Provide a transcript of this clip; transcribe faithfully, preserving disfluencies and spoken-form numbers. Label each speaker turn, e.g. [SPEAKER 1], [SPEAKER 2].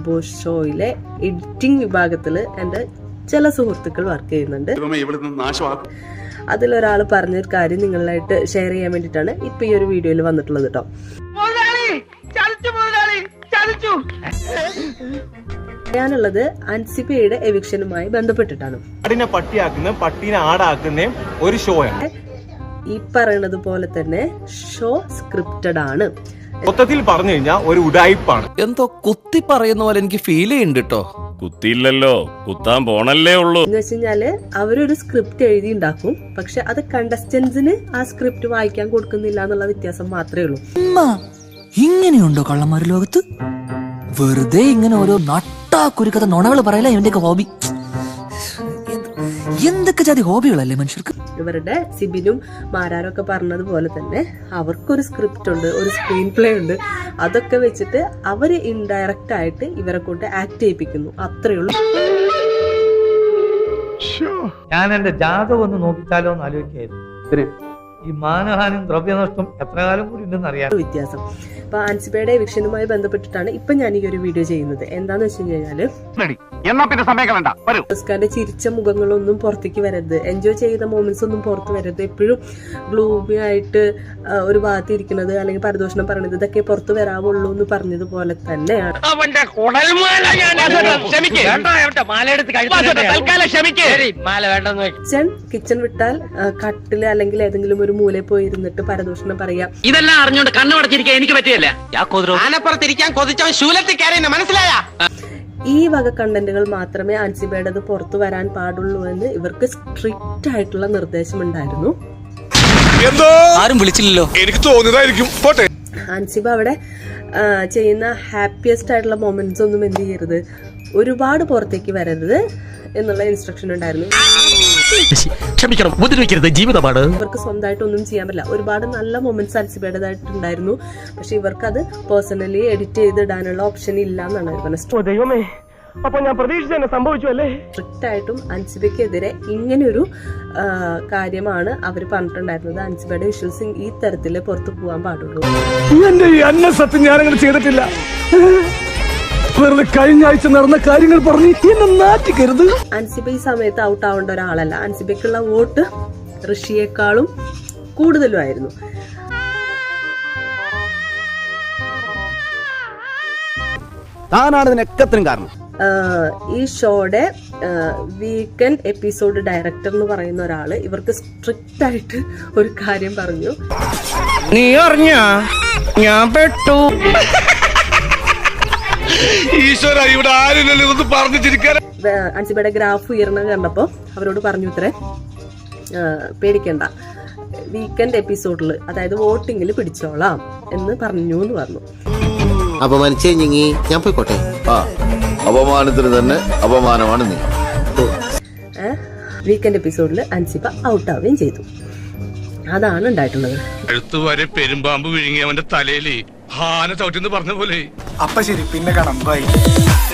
[SPEAKER 1] Boss ഷോയിലെ editing വിഭാഗത്തിൽ എൻ്റെ ചില സുഹൃത്തുക്കൾ വർക്ക് ചെയ്യുന്നുണ്ട്. അതിലൊരാൾ പറഞ്ഞൊരു കാര്യം നിങ്ങളായിട്ട് ഷെയർ ചെയ്യാൻ വേണ്ടിയിട്ടാണ് ഇപ്പൊ ഈ ഒരു വീഡിയോയിൽ വന്നിട്ടുള്ളത് കേട്ടോ. പറയാനുള്ളത് അൻസിബയുടെ എവിക്ഷനുമായി ബന്ധപ്പെട്ടിട്ടാണ്.
[SPEAKER 2] പട്ടിയാക്കുന്ന പട്ടീനെ ആടാക്കുന്ന ഒരു ഷോ ആണ്.
[SPEAKER 1] ഈ പറയുന്നത് പോലെ തന്നെ ഷോ സ്ക്രിപ്റ്റഡ് ആണ്.
[SPEAKER 2] മൊത്തത്തിൽ പറഞ്ഞു കഴിഞ്ഞാൽ ഒരു ഉഡായിപ്പാണ്.
[SPEAKER 3] എന്തോ കുത്തി പറയുന്ന പോലെ എനിക്ക് ഫീൽ ചെയ്യുന്നുണ്ട് കേട്ടോ.
[SPEAKER 4] കുത്തിയില്ലല്ലോ, കുത്താൻ പോണല്ലേ ഉള്ളൂ.
[SPEAKER 1] എന്ന് വെച്ച് കഴിഞ്ഞാല് അവരൊരു സ്ക്രിപ്റ്റ് എഴുതി ഉണ്ടാക്കും, പക്ഷെ അത് കണ്ടസ്റ്റൻസിന് ആ സ്ക്രിപ്റ്റ് വായിക്കാൻ കൊടുക്കുന്നില്ല എന്നുള്ള വ്യത്യാസം മാത്രമേ ഉള്ളൂ.
[SPEAKER 5] ഇങ്ങനെയുണ്ടോ കള്ളന്മാര് ലോകത്ത്? വെറുതെ ഇങ്ങനെ ഓരോ നട്ടാ കുരുക്കഥ നുണകൾ പറയല ഇവന്റെയൊക്കെ ഹോബി. എന്തൊക്കെ ജാതി ഹോബികളല്ലേ മനുഷ്യർക്ക്.
[SPEAKER 1] ഇവരുടെ സിബിനും മാരാരും ഒക്കെ പറഞ്ഞതുപോലെ തന്നെ അവർക്കൊരു സ്ക്രിപ്റ്റ് ഉണ്ട്, ഒരു സ്ക്രീൻ പ്ലേ ഉണ്ട്. അതൊക്കെ വെച്ചിട്ട് അവര് ഇൻഡയറക്റ്റ് ആയിട്ട് ഇവരെ കൊണ്ട് ആക്ട് ചെയ്യിപ്പിക്കുന്നു, അത്രേ ഉള്ളൂ.
[SPEAKER 6] ഞാൻ എന്റെ ജാതകം ഒന്ന് നോക്കിച്ചാലോ എന്ന് ആലോചിക്കായിരുന്നു. ഈ മാനഹാനും ദ്രവ്യനഷ്ടം എത്ര കാലം കൂടി ഉണ്ടെന്ന് അറിയാം
[SPEAKER 1] വ്യത്യാസം. അപ്പൊ അൻസിബയുടെ എവിക്ഷനുമായി ബന്ധപ്പെട്ടിട്ടാണ് ഇപ്പൊ ഞാൻ ഈ ഒരു വീഡിയോ ചെയ്യുന്നത്. എന്താന്ന് വെച്ച് കഴിഞ്ഞാല് ഓസ്കാറിന്റെ ചിരിച്ച മുഖങ്ങളൊന്നും പുറത്തേക്ക് വരരുത്, എൻജോയ് ചെയ്ത മൊമെന്റ്സ് ഒന്നും പുറത്ത് വരരുത്. എപ്പോഴും ഗ്ലൂമി ആയിട്ട് ഒരു ഭാഗത്ത് ഇരിക്കുന്നത് അല്ലെങ്കിൽ പരദൂഷണം പറയുന്നത് ഇതൊക്കെ പുറത്ത് വരാവുള്ളൂ എന്ന് പറഞ്ഞതുപോലെ തന്നെയാണ്. കിച്ചൺ കിച്ചൺ വിട്ടാൽ കട്ടില് അല്ലെങ്കിൽ ഏതെങ്കിലും ഒരു മൂലയിൽ പോയി ഇരുന്നിട്ട് പരദൂഷണം പറയാം.
[SPEAKER 7] ഇതെല്ലാം അറിഞ്ഞോണ്ട് കണ്ണു അടച്ചിരിക്കാൻ എനിക്ക് പറ്റിയല്ല. മനസ്സിലായ
[SPEAKER 1] ഈ വക കണ്ടന്റുകൾ മാത്രമേ അൻസിബയുടേത് പുറത്തു വരാൻ പാടുള്ളൂ എന്ന് ഇവർക്ക് സ്ട്രിക്റ്റ് ആയിട്ടുള്ള നിർദ്ദേശം ഉണ്ടായിരുന്നു.
[SPEAKER 3] ആരും വിളിച്ചില്ലല്ലോ,
[SPEAKER 2] എനിക്ക് തോന്നിയതായിരിക്കും.
[SPEAKER 1] അൻസിബ അവിടെ ചെയ്യുന്ന ഹാപ്പിയസ്റ്റ് ആയിട്ടുള്ള മൊമെന്റ്സ് ഒന്നും എന്ത് ചെയ്യരുത്, ഒരുപാട് പുറത്തേക്ക് വരരുത് എന്നുള്ള ഇൻസ്ട്രക്ഷൻ ഉണ്ടായിരുന്നു.
[SPEAKER 7] ക്ഷമിക്കണം, ഉപദ്രവിക്കരുത്, ജീവിതമാണ്.
[SPEAKER 1] ഇവർക്ക് സ്വന്തമായിട്ട് ഒന്നും ചെയ്യാൻ പറ്റില്ല. ഒരുപാട് നല്ല മൊമെന്റ്സ് അൻസിബയുടേതായിട്ടുണ്ടായിരുന്നു, പക്ഷെ ഇവർക്ക് അത് പേഴ്സണലി എഡിറ്റ് ചെയ്തിടാനുള്ള ഓപ്ഷൻ ഇല്ല എന്നാണ് പറഞ്ഞത്.
[SPEAKER 2] അപ്പൊ ഞാൻ പ്രതീക്ഷിച്ച സംഭവിച്ചു അല്ലേ.
[SPEAKER 1] സ്ട്രിക്റ്റ് ആയിട്ടും അൻസിബയ്ക്കെതിരെ ഇങ്ങനെയൊരു കാര്യമാണ് അവർ പറഞ്ഞിട്ടുണ്ടായിരുന്നത്. അൻസിബയുടെ വിഷ്വൽസ് ഈ തരത്തില് പുറത്തു പോകാൻ പാടുള്ളൂ.
[SPEAKER 2] എന്റെ ഈ അന്ന സത്യം ഞാനങ്ങനെ ചെയ്തിട്ടില്ല. വെറുതെ കഴിഞ്ഞ ആഴ്ച നടന്ന കാര്യങ്ങൾ പറഞ്ഞ് എന്നെ നാറ്റിക്കരുത്.
[SPEAKER 1] അൻസിബ ഈ സമയത്ത് ഔട്ട് ആവേണ്ട ഒരാളല്ല. അൻസിബയ്ക്കുള്ള വോട്ട് ഋഷിയേക്കാളും കൂടുതലുമായിരുന്നു.
[SPEAKER 3] താനാണ് ഇതിനൊക്കത്തിനും കാരണം.
[SPEAKER 1] ഈ ഷോയുടെ വീക്കെൻഡ് എപ്പിസോഡ് ഡയറക്ടർ എന്ന് പറയുന്ന ഒരാള് ഇവർക്ക് സ്ട്രിക്റ്റ് ആയിട്ട് ഒരു കാര്യം പറഞ്ഞു.
[SPEAKER 3] നീ അറിഞ്ഞ ഞാൻ പെട്ടു.
[SPEAKER 2] ഈശ്വര, ഇവിടെ ആരുമില്ലല്ലോ ഇതൊന്ന് പറഞ്ഞു ചിരിക്കാൻ.
[SPEAKER 1] അൻസിബയുടെ ഗ്രാഫ് ഉയർന്ന കണ്ടപ്പോ അവരോട് പറഞ്ഞു ഇത്രേ, പേടിക്കണ്ട, വീക്കെൻഡ് എപ്പിസോഡിൽ അതായത് വോട്ടിങ്ങിൽ പിടിച്ചോളാം എന്ന് പറഞ്ഞു എന്ന് പറഞ്ഞു.
[SPEAKER 8] അപമാനിച്ചേ ഞാൻ പോയിക്കോട്ടെ.
[SPEAKER 4] അപമാനത്തിന് തന്നെ അപമാനമാണ് നീ.
[SPEAKER 1] വീക്കെൻഡ് എപ്പിസോഡിൽ അൻസിബ ഔട്ടാവുകയും ചെയ്തു. അതാണ് ഉണ്ടായിട്ടുള്ളത്.
[SPEAKER 9] എഴുത്തുവരെ പെരുമ്പാമ്പ് വിഴുങ്ങി അവന്റെ തലയില് ഹാന ചവിട്ടിന്ന് പറഞ്ഞ പോലെ.
[SPEAKER 2] അപ്പൊ ശരി, പിന്നെ കാണാം, ബൈ.